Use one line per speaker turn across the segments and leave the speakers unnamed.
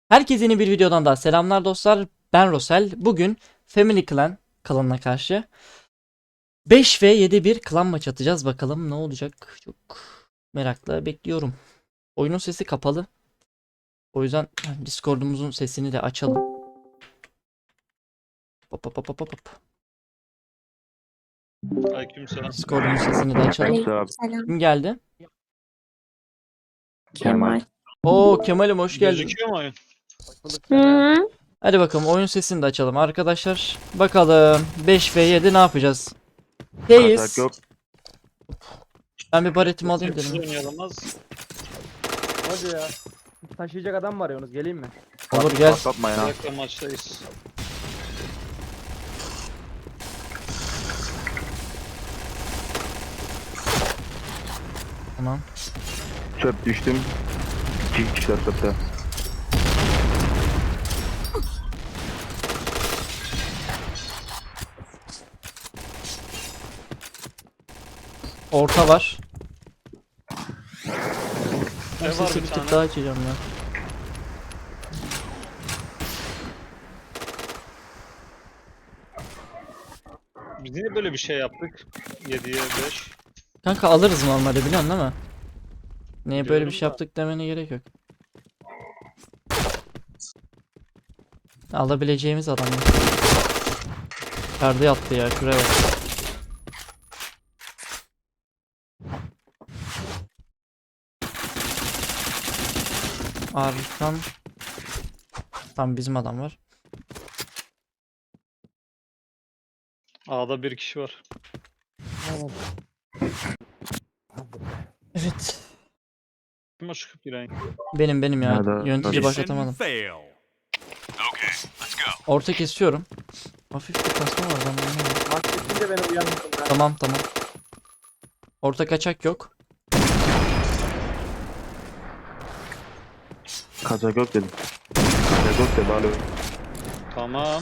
Herkese yeni bir videodan daha selamlar dostlar. Ben Rosel. Bugün Family Clan klanına karşı 5 ve 7 bir klan maçı atacağız. Bakalım ne olacak. Çok merakla bekliyorum. Oyunun sesi kapalı. O yüzden Discord'umuzun sesini de açalım. Hop hop hop hop hop.
Aleykümselam.
Discord'umuzun sesini de açalım.
Aleykümselam.
Kim geldi?
Kemal.
Oo Kemal'im hoş geldin.
Gözüküyor mu oyun?
Hı.
Hadi bakalım oyun sesini de açalım arkadaşlar. Bakalım 5 ve 7 ne yapacağız? Deyiz.
Yok.
Ben bir baretimi alayım
Sessiz
dedim.
oynayalım az.
Hadi ya. Taşıyacak adam var yalnız, geleyim mi?
Olur gel.
Patlatma
Bir
ya.
dakika maçtayız.
Tamam.
Çöp düştüm. 2 kişiler çöpte.
Orta var.
Ne var
Sesi
bir
bir tık
tane?
daha açacağım ya.
Biz niye böyle bir şey yaptık? 7'ye 5.
Kanka alırız normalde biliyorsun değil mi? Niye böyle bir
Biliyorum
şey
da.
yaptık demene gerek yok. Alabileceğimiz adam. Perde attı ya şuraya bak. Arkan. Tam bizim adam var.
A'da bir kişi var.
Evet.
Kim o çıkıp giren?
Benim ya.
Nerede?
Yönetici
Mission
başlatamadım. Orta kesiyorum. Hafif bir kasma var ben anlamadım.
Maç bitince beni uyandırın ben.
Tamam tamam. Orta kaçak yok.
Kaçak yok dedim. Kaçak yok dedi alo.
Tamam.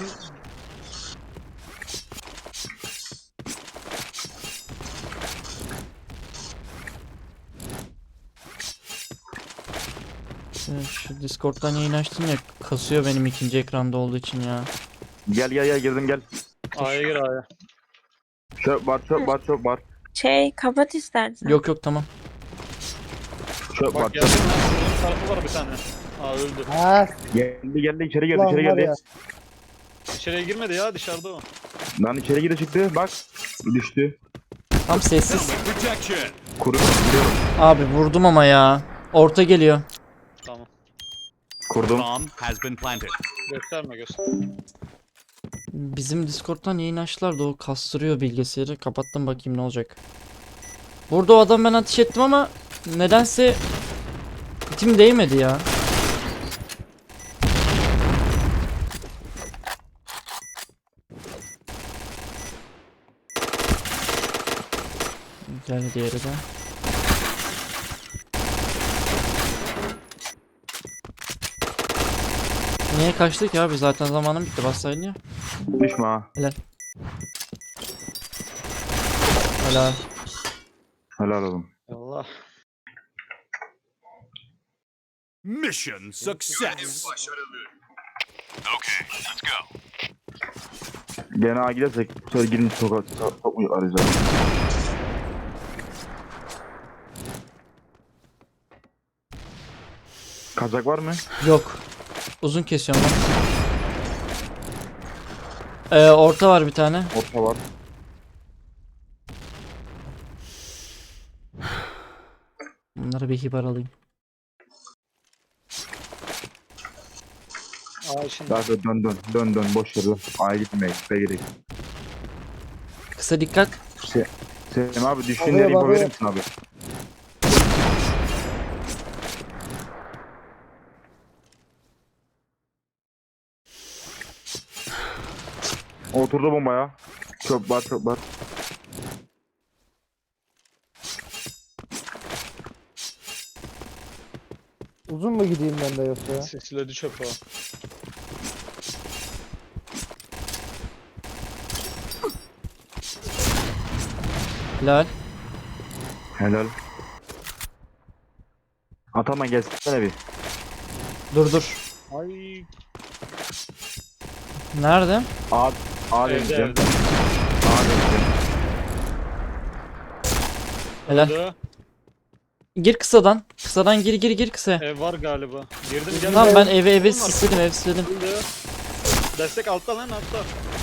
Şu Discord'dan yayın açtım ya kasıyor benim ikinci ekranda olduğu için ya.
Gel girdim gel.
A'ya gir A'ya.
Çöp var.
Kapat istersen.
Yok yok tamam.
Çöp var.
Bak geldim lan. Şuranın tarafı var bir tane. Aa öldü.
Ha,
Geldi içeri geldi
ulan
içeri
var
geldi.
ya.
İçeriye girmedi ya dışarıda o.
Lan içeri girdi çıktı bak. Düştü.
Tam sessiz.
Kurdum. Gidiyorum.
Abi vurdum ama ya. Orta geliyor.
Tamam.
Kurdum.
Bomb has been planted.
Gösterme göster.
Bizim Discord'dan yayın açtılar da o kastırıyor bilgisayarı. Kapattım bakayım ne olacak. Burada o adam ben ateş ettim ama nedense itim değmedi ya. Gel diğeri de. Niye kaçtık ya? Biz zaten zamanım bitti. Bassaydın ya.
Düşme ha.
Helal. Helal.
Helal oğlum.
Allah.
Mission success.
Gene ağa gidersek sonra girince sokak arayacağız. Kaçak var mı?
Yok. Uzun kesiyorum ben. Orta var bir tane.
Orta var.
Bunları bir hibar alayım.
A şimdi.
Daha sonra dön boş ver lan. A'ya gitmeye gerek.
Kısa dikkat.
Selim abi düştüğün
Oluyor,
yeri info
oluyor.
verir misin abi? Oturdu bombaya. Çöp var.
Uzun mu gideyim ben de yoksa ya?
Sesledi çöp o.
Helal.
Helal. Atama gelsene bir.
Dur.
Ay.
Nerede?
A
Evde
deneyeceğim.
evde.
A deneyeceğim.
Helal.
Öldü.
Gir kısadan. Kısadan gir kısaya.
Ev var galiba. Girdim gel.
Tamam ben eve
Bunlar.
sisledim
Öldü. Destek altta lan altta.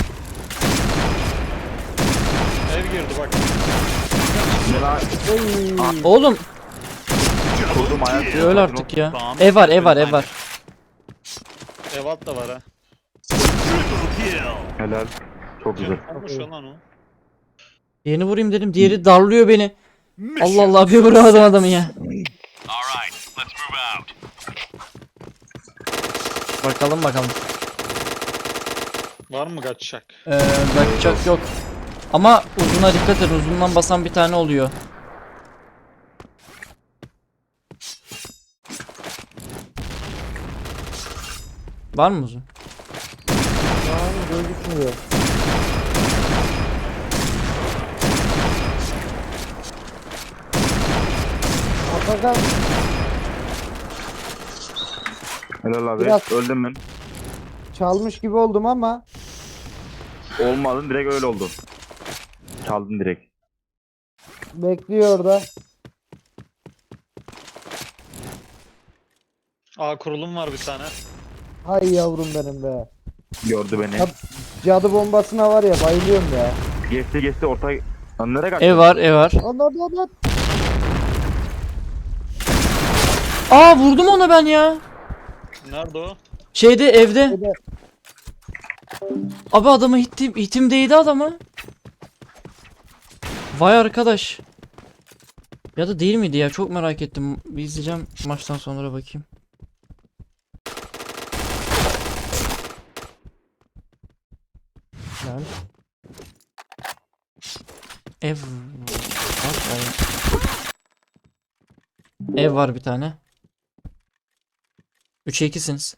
Ev girdi bak.
Ne lan?
Oğlum
Kurdum ayak.
öl artık ya. Ev var.
Ev altta var ha.
Triple kill.
Helal. Çok güzel.
Olmuş lan o.
Yeni vurayım dedim. Diğeri darlıyor beni.
Mission
Allah Allah bir vuramadım adamı ya.
All right, let's move out.
Bakalım.
Var mı kaçacak?
Bakacak yok. Ama uzuna dikkat et. Uzundan basan bir tane oluyor. Var mı uzun?
Gözükmüyor. Atakan
Helal abi.
Biraz-
Öldüm ben.
çalmış gibi oldum ama
Olmadın direkt öyle oldu. Çaldın direkt.
bekliyor orada.
Aa kurulum var bir tane.
Hay yavrum benim be.
Gördü beni.
Ya- Cadı bombasına var ya bayılıyorum ya.
Geçti orta. Lan nereye kaçtın?
Ev var.
Lan.
Aa vurdum ona ben ya.
Nerede o?
Şeyde evde.
Bir de
Abi adamı hitim değdi adama. Vay arkadaş. Ya da değil miydi ya? Çok merak ettim. Bir izleyeceğim maçtan sonra bakayım. Güzel. Ev var. Ev var bir tane. 3'e 2'siniz.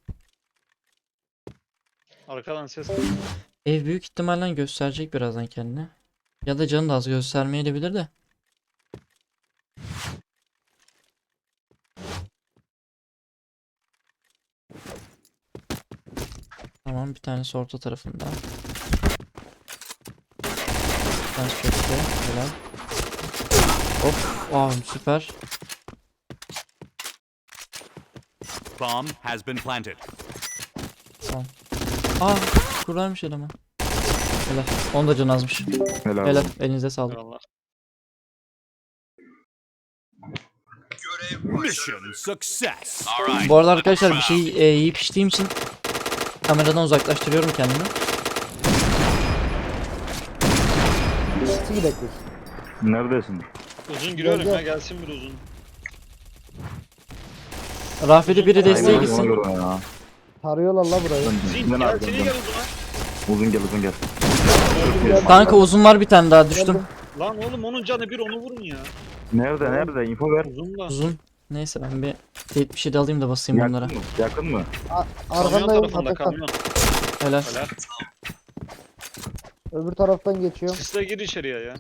Arkadan ses.
Ev büyük ihtimalle gösterecek birazdan kendini. Ya da canı da az göstermeyebilir de. Tamam bir tanesi orta tarafında. Bir tanesi köşede. Helal. Hop. Süper.
Bomb has been planted.
Kurarmış adamı. Helal. Onun da canı azmış.
Helal.
Helal. Elinize sağlık.
Eyvallah.
Mission success. All right.
Bu arada arkadaşlar bir şey yiyip içtiğim için kameradan uzaklaştırıyorum kendimi.
nasıl gidelim?
Neredesin?
Uzun giriyorum
Gel,
ya
gel.
gelsin bir uzun.
Rafet'e biri desteğe
Hayvan
gitsin.
oluyor ya.
Tarıyorlar la burayı.
Zin
Ben
gel
aldım,
seni
ben.
gel uzuna.
Uzun gel.
Kanka uzun var bir tane daha düştüm.
Lan oğlum onun canı bir onu vurun ya.
Nerede? Info ver.
Uzun da.
Uzun. Neyse ben bir teyit bir şey de alayım da basayım
Yakın
onlara.
mı? Yakın mı?
Kamyon
Arkandayım
tarafında
Atakan.
kamyon.
Helal.
Helal.
Öbür taraftan geçiyorum.
Sisle gir içeriye ya.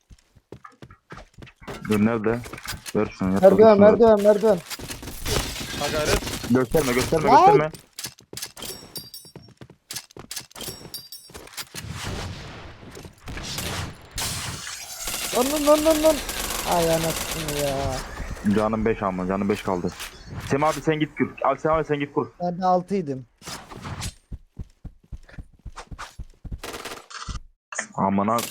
Dur nerede? Ver şunu. yap
Merdiven
bakayım şunu.
merdiven.
Ha gayret.
Gösterme.
Lan. Ay anasını ya.
Canım 5 ama. Canım 5 kaldı. Sem abi sen git kur. Al Sem abi sen git kur.
Ben de 6'ydım.
Aman abi.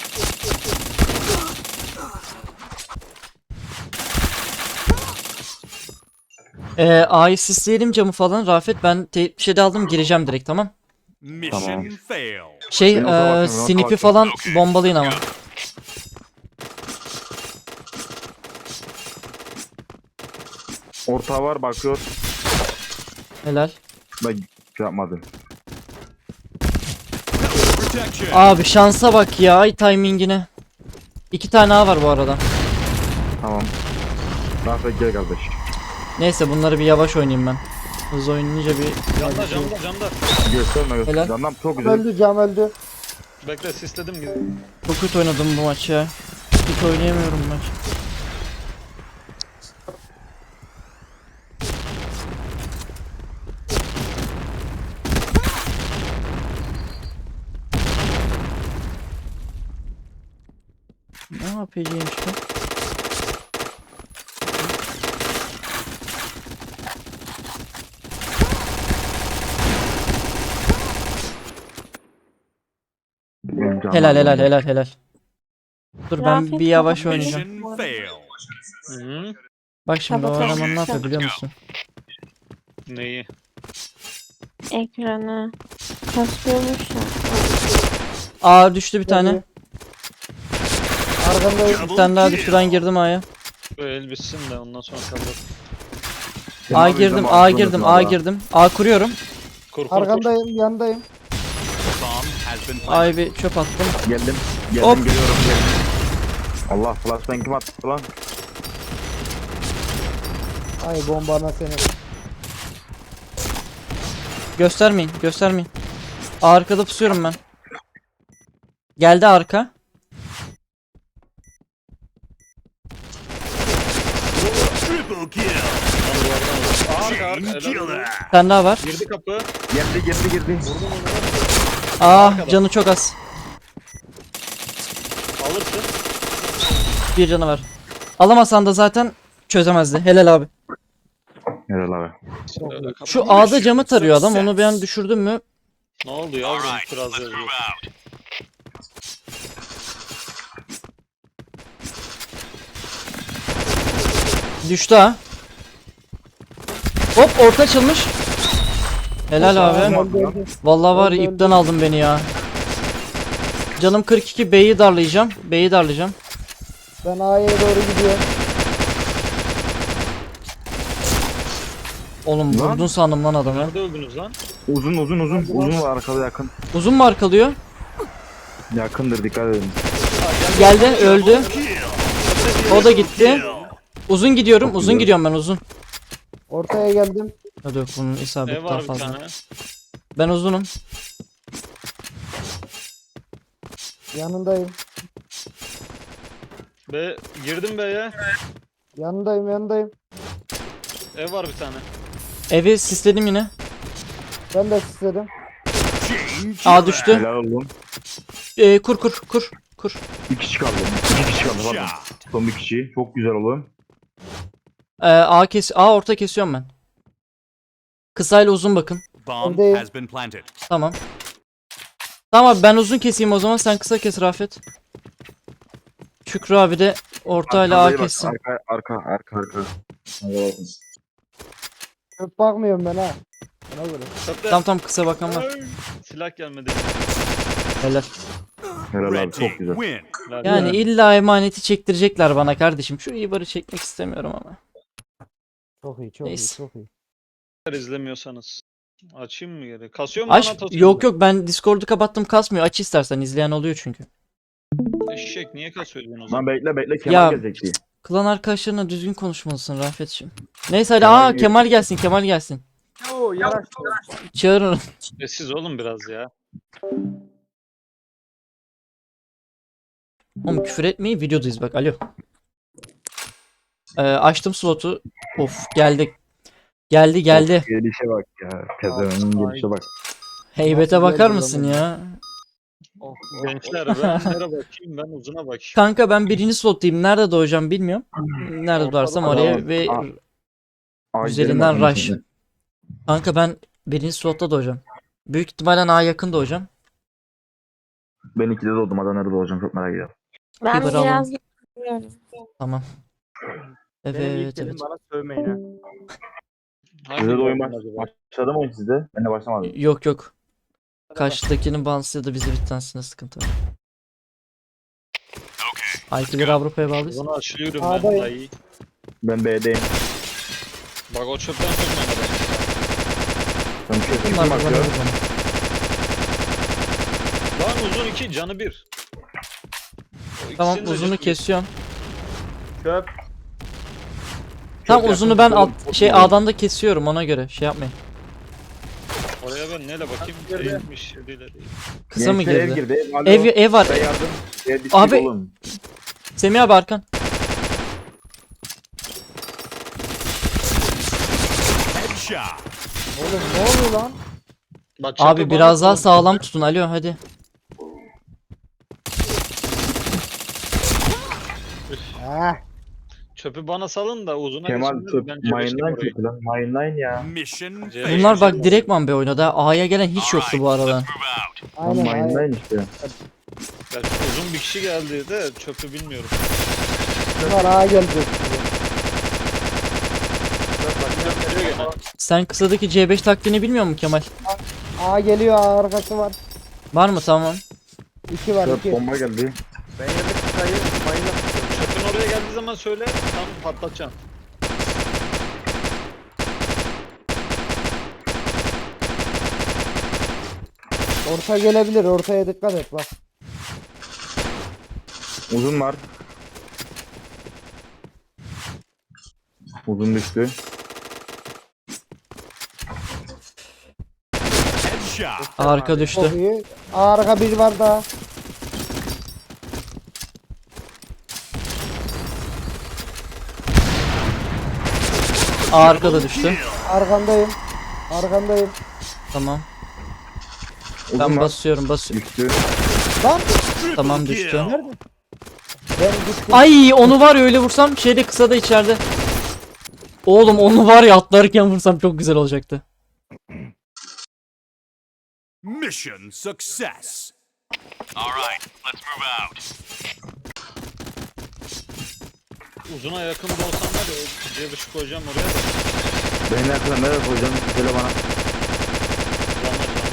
A'yı sisleyelim camı falan. Rafet ben teyit bir şey de aldım gireceğim direkt tamam.
Mission
Tamam.
failed.
Şey
Benim orada bakıyorum,
snipi
bakıyorum.
falan bombalayın ama.
Orta var bakıyor.
Helal.
Ben şey yapmadım.
Protection.
Abi şansa bak ya ay timingine. 2 tane A var bu arada.
Tamam. Rafet gel kardeş.
Neyse bunları bir yavaş oynayayım ben. Hızlı oynayınca bir
Camda.
Gösterme.
Helal.
Canım çok güzel.
Öldü cam öldü.
Bekle sisledim gibi.
çok kötü oynadım bu maçı ya. Hiç oynayamıyorum bu maç. APC'ymiş bu.
Benim canım
Helal helal
aldı.
helal helal. Dur ben
Rafet
bir yavaş
kapat.
oynayacağım.
Mission fail.
Hı.
Bak şimdi o
Kapatalım.
eleman ne yapıyor biliyor musun?
Neyi?
Ekranı. Kasıyormuş ya.
Aa düştü bir tane.
Arkandayım.
Bir tane daha düştü, ben girdim A'ya.
Bu el bitsin de ondan sonra kalır.
Semi
A
abi
girdim,
izleme,
A
aklını
girdim,
unutma
A
da.
girdim. A kuruyorum.
Kur kur kur.
Arkandayım, yandayım.
Bomb has been planted.
A'ya bir çöp attım.
Geldim.
Hop.
Geliyorum. Allah flashbang kim attı lan?
Ay bombana seni.
Göstermeyin, göstermeyin. Arkada pusuyorum ben. Geldi arka.
Triple kill.
Lan duvardan vur. Arka arka.
Chain
Helal olsun.
killer.
Bir tane daha var.
Girdi kapı.
Girdi.
Aa canı çok az.
Alırsın.
Bir canı var. Alamasan da zaten çözemezdi. Helal abi.
Helal abi.
Kapı.
Şu A'da camı tarıyor adam. Onu bir an düşürdüm mü?
Ne oldu ya?
Alright,
Biraz
let's
yazıyor.
move out.
Düştü ha. Hop orta açılmış. Helal abi. Vallahi var ya, ipten aldın beni ya. Canım 42, B'yi darlayacağım. B'yi darlayacağım.
Ben A'ya doğru gidiyorum.
Oğlum
Lan.
vurdun sandım lan adamı.
Nerede öldünüz lan?
Uzun var arkada yakın.
Uzun mu arkalıyor?
Yakındır dikkat edin.
Geldi, öldü. O da gitti.
Kill.
Uzun gidiyorum,
Çok
uzun
güzel.
gidiyorum ben uzun.
Ortaya geldim.
Hadi yok, bunun
Ev
isabeti daha
var bir
fazla.
tane.
Ben uzunum.
Yanındayım.
Girdim B'ye.
Yanındayım.
Ev var bir tane.
Evi sisledim yine.
Ben de istedim.
Chain
A
killer.
düştü.
Helal oğlum.
Kur.
2 kişi kaldı. 2 kişi kaldı pardon.
Shot.
Son bir kişi. Çok güzel oğlum.
A orta kesiyorum ben. Kısayla uzun bakın.
Bomb
Öndeyim.
has been planted.
Tamam. Tamam abi ben uzun keseyim o zaman, sen kısa kes Rafet. Şükrü abi de ortayla A
Arkaya bak,
kessin.
Arka.
Çok bakmıyorum ben ha. Ona göre.
Çöpte.
Tam kısa bakan var.
Ay, silah gelmedi.
Helal.
Helal
Red
abi
team
çok güzel.
win.
Helal.
Yani illa emaneti çektirecekler bana kardeşim. Şu ibarı çekmek istemiyorum ama.
Çok iyi, çok
Neyse.
iyi, çok iyi.
İzlemiyorsanız. Açayım mı geri? Kasıyor mu lan
Aç.
Atatürk'ü?
Yok ben Discord'u kapattım, kasmıyor. Aç istersen, izleyen oluyor çünkü.
Eşek niye kasıyorsun o zaman?
Lan bekle Kemal
Ya.
gelecek diye.
Klan arkadaşlarına düzgün konuşmalısın Rafet'ciğim. Neyse hadi
Kemal
Kemal gelsin.
Oo, yaraştı.
Çağırın.
Sessiz olun biraz ya.
Oğlum küfür etmeyi, videodayız bak, alo. Açtım slotu. Of geldi. Geldi.
Gelişe bak ya. Pezevenin gelişe bak.
Heybete
Nasıl
bakar
geldi
mısın
lan
ya?
Oh,
Gençler ben nereye bakayım, ben uzuna bakayım.
Kanka ben birinci slottayım. Nerede doğacağım bilmiyorum. Nerede doğarsam oraya ve üzerinden
Ay,
rush. Kanka ben birinci slotta doğacağım. Büyük ihtimalle A yakın doğacağım.
Ben 2'de doğdum. Adana'da doğacağım. Çok merak ediyorum.
Ben
Biber alalım.
biraz bilmiyorum.
Tamam.
Benim ilk
Evet.
dedim bana sövmeyin ha.
Hangi
Sizde de oyun
bölüm acaba?
başladı mı oyun sizde? Ben de başlamadım.
Yok. Karşıdakinin bağımsız ya da bizi bir tanesinde sıkıntı var. IP'leri Avrupa'ya bağlıyız.
Bunu açıyorum ben
A'dayım.
dayı.
Ben B'deyim.
Bak o çöpten çökmemeden.
Ben bir şey
Bunlar
kim
da bana
bakıyor?
vurdu.
Lan uzun 2 canı 1.
Tamam uzunu kesiyorum.
Çöp.
Tam
Çok
uzunu
yakın
ben
tutuyorum.
A'dan da kesiyorum, ona göre şey yapmayın.
Oraya ben neyle bakayım?
Girdi.
Değilmiş değil.
Kısa mı
Gençler
girdi?
Ev girdi. Alo.
Ev var.
Ben yardım. Ev bitti
Abi-
oğlum.
Semih abi arkan.
Headshot.
Oğlum ne oluyor lan?
Bak, çöpe
Abi
bana
biraz daha
bak.
sağlam tutun. Alo hadi.
Ah.
Çöpü bana salın da uzuna
Kemal
geçin.
çöp.
Ben C5'liyim
Mineline
orayı.
kötü lan. Mineline ya.
Mission
C5
failed.
Bunlar bak
Move
direktman be oynadı. A'ya gelen hiç yoktu bu arada.
Move out.
Aynen aynen.
Mineline işte.
Ya uzun bir kişi geldi de çöpü bilmiyorum.
Bunlar ağa gelecek.
Geliyor gene.
Sen kısadaki C5 taktiğini bilmiyor musun Kemal?
Ağa geliyor, ağa arkası var.
Var mı? Tamam.
2 var,
Çöp
2.
bomba geldi.
Ben yedik sayı, mayına.
Çöpün oraya geldiği zaman söyle. Tam patlatacağım.
Orta gelebilir, ortaya dikkat et bak.
Uzun var. Uzun düştü.
Headshot.
Arka düştü.
Çok iyi. Arka bir var daha.
Arka da düştü.
Arkandayım. Arkandayım.
Tamam.
Uzun
Ben
var.
basıyorum.
Düştü.
Lan
Triple
Tamam,
kill.
düştü.
ben gittim.
Ay onu var ya öyle vursam şeyde kısada içeride. Oğlum onu var ya atlarken vursam çok güzel olacaktı.
Mission success. All right, let's move out.
Uzuna yakın da olsam var ya C5'i koyacağım oraya da.
Beni yakına nereye koyacaksın? Söyle bana.
Canlar canlar.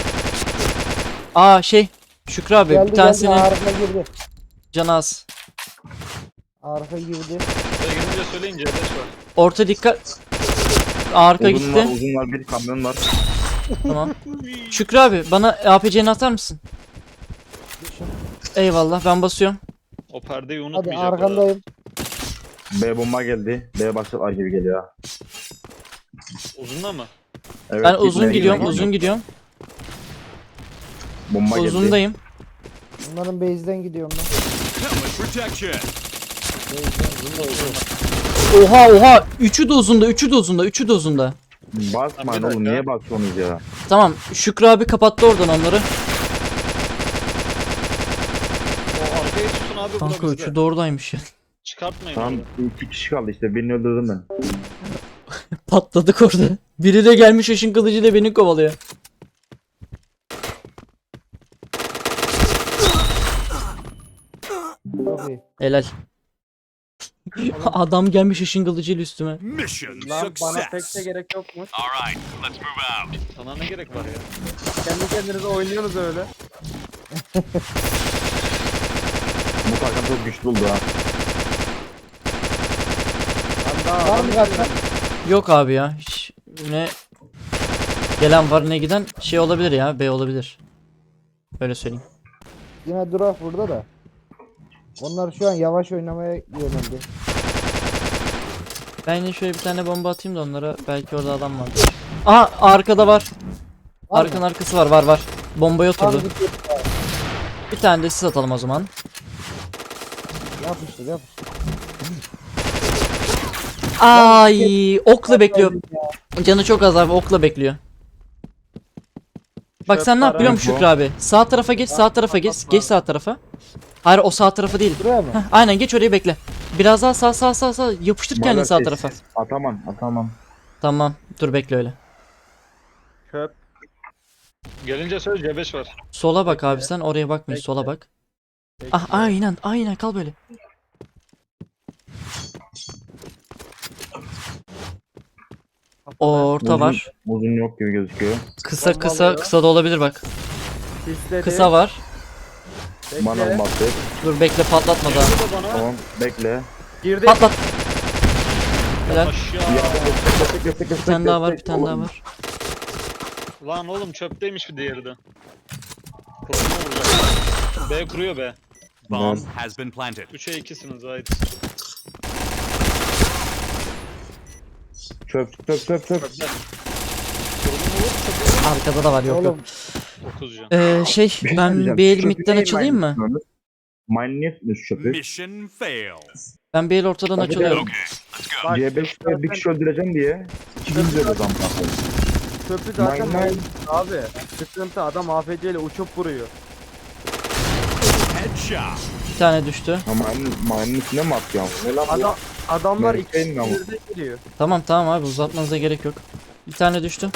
Aa şey Şükrü abi
Geldi
bir
geldi,
tanesinin
arka girdi.
canı az.
Arka girdi.
Buraya gelince söyleyin C5 var.
Orta dikkat. Arka
Uzun var,
gitti.
uzun var. Bir kamyon var.
Tamam. Şükrü abi bana APC'ni atar mısın? Eyvallah ben basıyorum.
O perdeyi
Hadi
unutmayacak. orada.
arkandayım.
B bomba geldi. B başlar gibi geliyor.
Uzunla mı?
Evet,
Ben
gitmeye
uzun gidiyorum,
gidiyor.
uzun gidiyorum.
Bomba geldi.
Uzundayım.
Bunların base'den gidiyorum ben.
Helmet protection.
Oha. Üçü de uzunda, üçü de uzunda, üçü de uzunda.
Basmayın
Bir
oğlum.
dakika.
Niye basıyorsunuz ya?
Tamam Şükrü abi kapattı oradan onları.
O arkayı tutun abi
Kanka
bura
üçü
bizde.
de oradaymış ya.
Çıkartmayın
Tamam
orada.
2 kişi kaldı işte. Birini öldürdüm ben.
Patladık orada. Biri de gelmiş ışın kılıcıyla beni kovalıyor.
Çok iyi.
Helal. Adam gelmiş ışın kılıcıyla üstüme.
Mission
Lan bana pek de
success.
gerek yokmuş.
All right, let's move out.
Sana ne gerek var ya?
Kendi kendinize oynuyorsunuz öyle.
Bu takım çok güçlü oldu ha.
Var mı kaçtan?
Yok abi ya. Hiç ne gelen var ne giden şey olabilir ya. B olabilir. Öyle söyleyeyim.
Yine durak burada da. Onlar şu an yavaş oynamaya yöneldi.
Ben yine şöyle bir tane bomba atayım da onlara belki orada adam var. Aha arkada var.
Var
Arkanın
mı?
arkası var. Bombaya
Tam
oturdu.
gidiyor.
Bir tane de siz atalım o zaman.
Yapıştır yapıştır.
Ay okla bekliyor. Canı çok az abi okla bekliyor. Bak sen ne yap biliyor musun
bu.
Şükrü abi? Sağ tarafa geç, sağ tarafa geç. Geç sağ tarafa. Hayır o sağ tarafa değil.
Buraya mı?
Heh, aynen geç orayı bekle. Biraz daha sağ. Yapıştır kendini
Bana
sağ
ses-
tarafa.
Atamam.
Tamam. Dur bekle öyle.
Çöp.
Gelince söyle C5 var.
Sola bak abi sen oraya bakmayın. Sola bak. Ah aynen kal böyle. Orta var.
Uzun yok gibi gözüküyor.
Kısa da olabilir bak.
Sisledi.
Kısa var.
Bekle.
Bana battı.
Dur bekle patlatma daha.
Bu da bana.
Tamam bekle.
Girdi.
Patlat. Helal.
Aşağı.
Bir tane daha var, bir tane daha var.
Lan oğlum çöpteymiş bir diğeri de. Kurulma vuracak. B kuruyor B.
Bomb has been planted.
3'e 2'siniz ait.
Çöp.
Çöpler. Kurulma vur çöpü.
Arkada da var yok yok.
Oğlum
9 can.
Bir şey
Ben
söyleyeceğim.
bir el
Çöpü
midden
niye
açılayım mı?
tutmuyorsunuz? Mine niye tutmuyorsunuz çöpü?
Mission failed.
Ben bir el ortadan
Hadi
açılıyorum.
Okay, let's go.
bak,
C5'te bir kişi öldüreceğim diye. 2 gün öldürdü adam.
çöpü zaten
Mine.
abi. Sıkıntı, adam AFC ile uçup vuruyor.
Headshot.
Bir tane düştü.
Ama mayının üstüne mi atıyor? Ne lan bu?
Adamlar
Merkeğin mi ama?
ikisi geliyor.
Tamam tamam abi, uzatmanıza gerek yok. Bir tane düştü.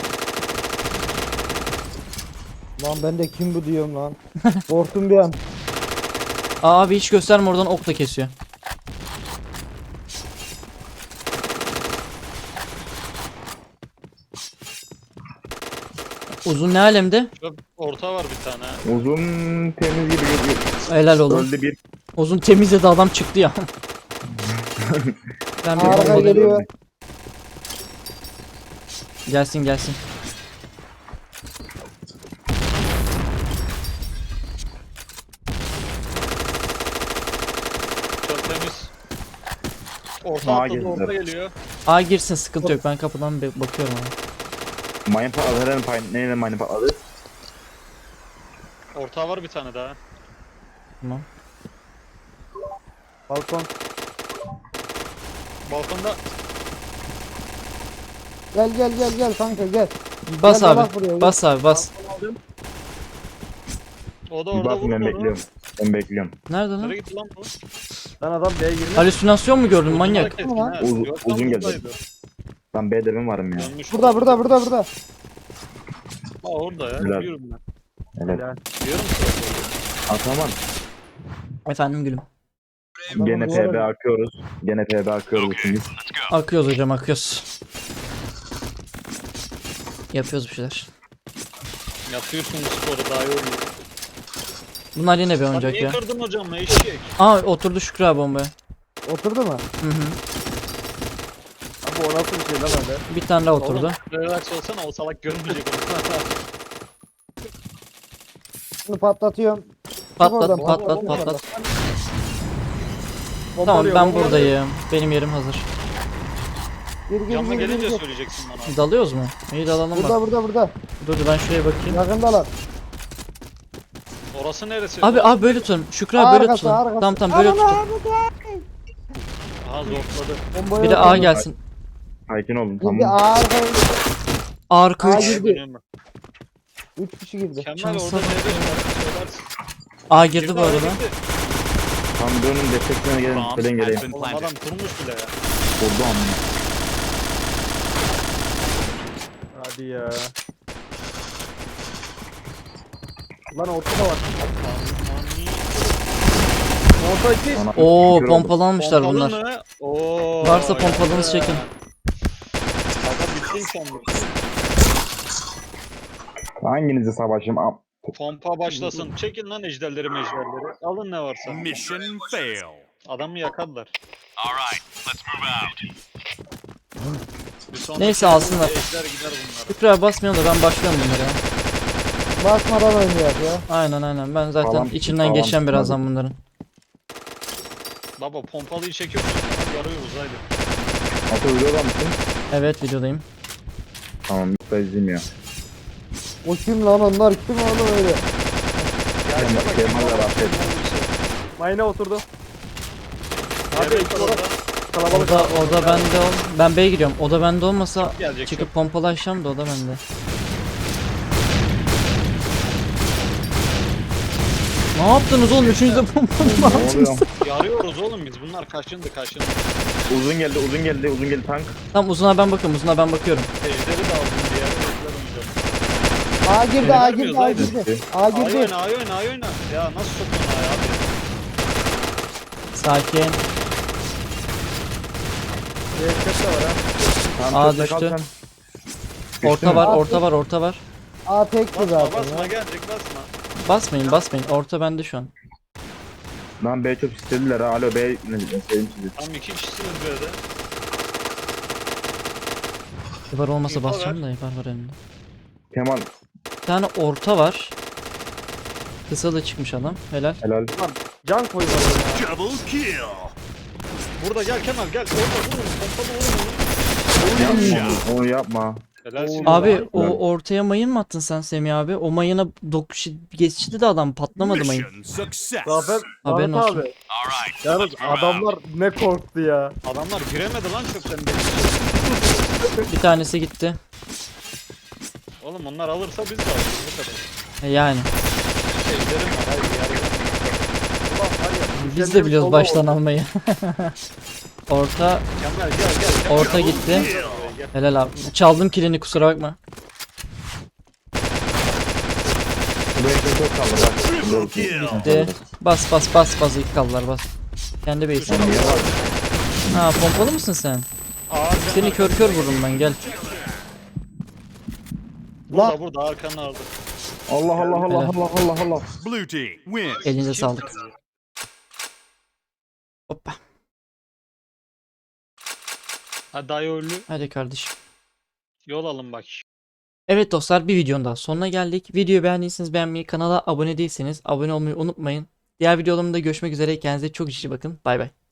Lan ben de kim bu diyorum lan. Korktum bir an.
Aa, abi hiç gösterme, oradan ok da kesiyor. Uzun ne alemde?
Çöp orta var bir tane.
Uzun temiz gibi gözüküyor.
Helal oğlum.
Öldü bir.
Uzun temizledi, adam çıktı ya. Ben bir
Arka
bomba
geliyor.
Gelsin gelsin.
Çöp temiz. Orta
Sağa
atladı,
girdiler.
orta geliyor.
A girsin, sıkıntı yok, ben kapıdan bakıyorum abi.
Mayın patladı. Herhalde neyle mayın patladı?
Orta var bir tane daha.
Tamam.
Balkon.
Balkonda
Gel kanka gel.
Bas
Gel,
abi.
bak buraya, gel.
Bas abi bas.
o da
Bir
orada
bakın ben
vurdu onu.
bekliyorum. Ben bekliyorum.
Nerede lan?
Nereye gitti lan bu?
Lan adam B'ye girmiş.
Halüsinasyon mu gördün manyak?
Keskin
Ulan.
ha.
Uzun-
Yok lan,
uzun geldi.
buradaydı.
Ben B'de ben varım ya.
Dönmüş.
Burada.
Ha orada ya.
Helal.
Biliyorum ben.
Evet.
Diyorum sana.
Ataman.
Efendim gülüm.
Gene
bu arada-
PB akıyoruz. Gene PB akıyoruz ikimiz.
Akıyoruz hocam, akıyoruz. Yapıyoruz bir şeyler.
Yapıyorsun bu sporu daha iyi oluyor.
Bunlar yine bir
Sen
oyuncak
niye
ya.
kırdın hocam eşek?
Aa, oturdu Şükrü abi bombaya.
Oturdu mu?
Hı hı.
Abi o nasıl bir şey lan öyle?
Bir tane daha oturdu.
Oğlum, relax olsana, o salak görmeyecek onu.
Şunu patlatıyorum.
Patlat
oradan,
patlat
oradan,
patlat. Tamam,
Pompalıyor,
ben
pompalıyor.
buradayım. Benim yerim hazır.
Gir.
Yanına gelince söyleyeceksin bana.
Dalıyoruz mu? İyi dalalım bak.
Burada.
Dur ben şuraya bakayım.
Yakındalar.
Orası neresi?
Abi böyle tutun. Şükrü abi böyle
Arkası,
tutun.
arkası.
Tamam böyle tutun.
Aha zorladı.
Bombayı
Biri A
atıyor.
gelsin.
Sakin olun
Şimdi
tamam.
arkaya
Arka
A
3.
girdi.
Dönüyorum ben.
3 kişi girdi.
Kemal
Şansa
orada
bak.
ne söylersin.
A girdi bu
A'ya
arada.
gitti.
Tam dönün desteklerine gelin.
Bomb
Falan
has
geleyim.
been
Oğlum adam
planted.
kurmuş bile ya.
Oldu ama.
Hadi ya. Lan ortada var. Orta 2.
Ona-
Oo,
Şükür oldu.
pompalanmışlar bunlar.
Pompalı mı? Oo,
Varsa pompalınızı
ya.
çekin.
Aga bittin sen bu.
Hanginizi savaşayım?
Pompa başlasın. Çekin lan ejderleri mejderleri. Alın ne varsa.
Mission fail.
Adamı yakarlar.
All right, let's move out.
Bir sonraki
Neyse, alsınlar.
Ejder gider bunlara.
Şükrü abi basmayalım da ben başlıyorum bunlara ya.
Basmadan oynuyor ya.
Aynen ben zaten
Tamam,
içinden
tamam,
geçeceğim
tamam.
birazdan bunların.
Baba pompalıyı çekiyorsun. Yarıyoruz haydi.
Atabiliyorlar mısın?
Evet, videodayım.
Tamam. Da izleyeyim ya.
O kim lan onlar kim oğlum öyle?
Kemal de rafet.
Mayına oturdu.
Abi orada
Kalabalık.
O da bende ol. Ben B'ye gidiyorum. O da bende olmasa
gelecek.
çıkıp pompalaşacağım da o da bende. Ne yaptınız oğlum? Üçüncü de pompalı mı
Ne oluyor?
attınız?
Yarıyoruz oğlum biz. Bunlar kaçındı.
Uzun geldi tank.
Tamam, uzuna ben bakıyorum. Uzuna ben bakıyorum.
Ejderi de aldım diye. Ejder oynayacağım.
A girdi,
Beni
A
vermiyoruz,
girdi, A
haydi.
girdi. A
Ay
girdi.
oyna, ay oyna, ay oyna. Ya nasıl soktun ay abi?
Sakin.
Köfte var ha.
Tamam,
Aa,
köşede kal
düştü.
sen.
Orta var, orta var.
A tekti
Basma
zaten
basma
ya.
gelecek basma.
Basmayın. Orta bende şu an.
Lan B çok istediler ha. Alo B ne seveyim sizi.
Tam iki kişisiniz böyle.
İbar olmasa
İbar
basacağım da İbar var elimde.
Kemal
Bir tane orta var. Kısa da çıkmış adam. Helal.
helal.
Can koyuyor ya.
Double kill.
Burada gel Kemal gel. Orada vurun. Pompalı vurun.
Yapma onu yapma.
Helalsin.
Abi
Helal.
o ortaya mayın mı attın sen Semih abi? O mayına geçti de adam patlamadı mayın.
Mission success.
Zafer.
Haberin
Ahmet
olsun.
abi.
All right,
Yalnız
let's move out.
adamlar ne korktu ya.
Adamlar giremedi lan çöpten beri.
Bir tanesi gitti.
Oğlum onlar alırsa biz de alırız bu kadar.
Yani.
Ejderim var haydi yarayacağım.
Biz de biliyoruz baştan almayı. Orta
Kemal gel.
orta gitti. Helal abi. Çaldım kilini kusura bakma.
Bu ekmek çok kaldı bak.
Triple kill.
De bas ilk kaldılar bas. Kendi base'ine. Ha pompalı mısın sen? Seni kör vururum ben gel.
Burada arkanın orada.
Allah Allah Allah
Helal.
Allah Allah Allah.
Blue team win.
Elinize sağlık. Hoppa.
Ha dayı
Hadi kardeşim.
yol alın bak.
Evet dostlar bir videonun daha sonuna geldik. Videoyu beğendiyseniz beğenmeyi, kanala abone değilseniz abone olmayı unutmayın. Diğer videolarımda görüşmek üzere. Kendinize çok iyi bakın. Bay bay.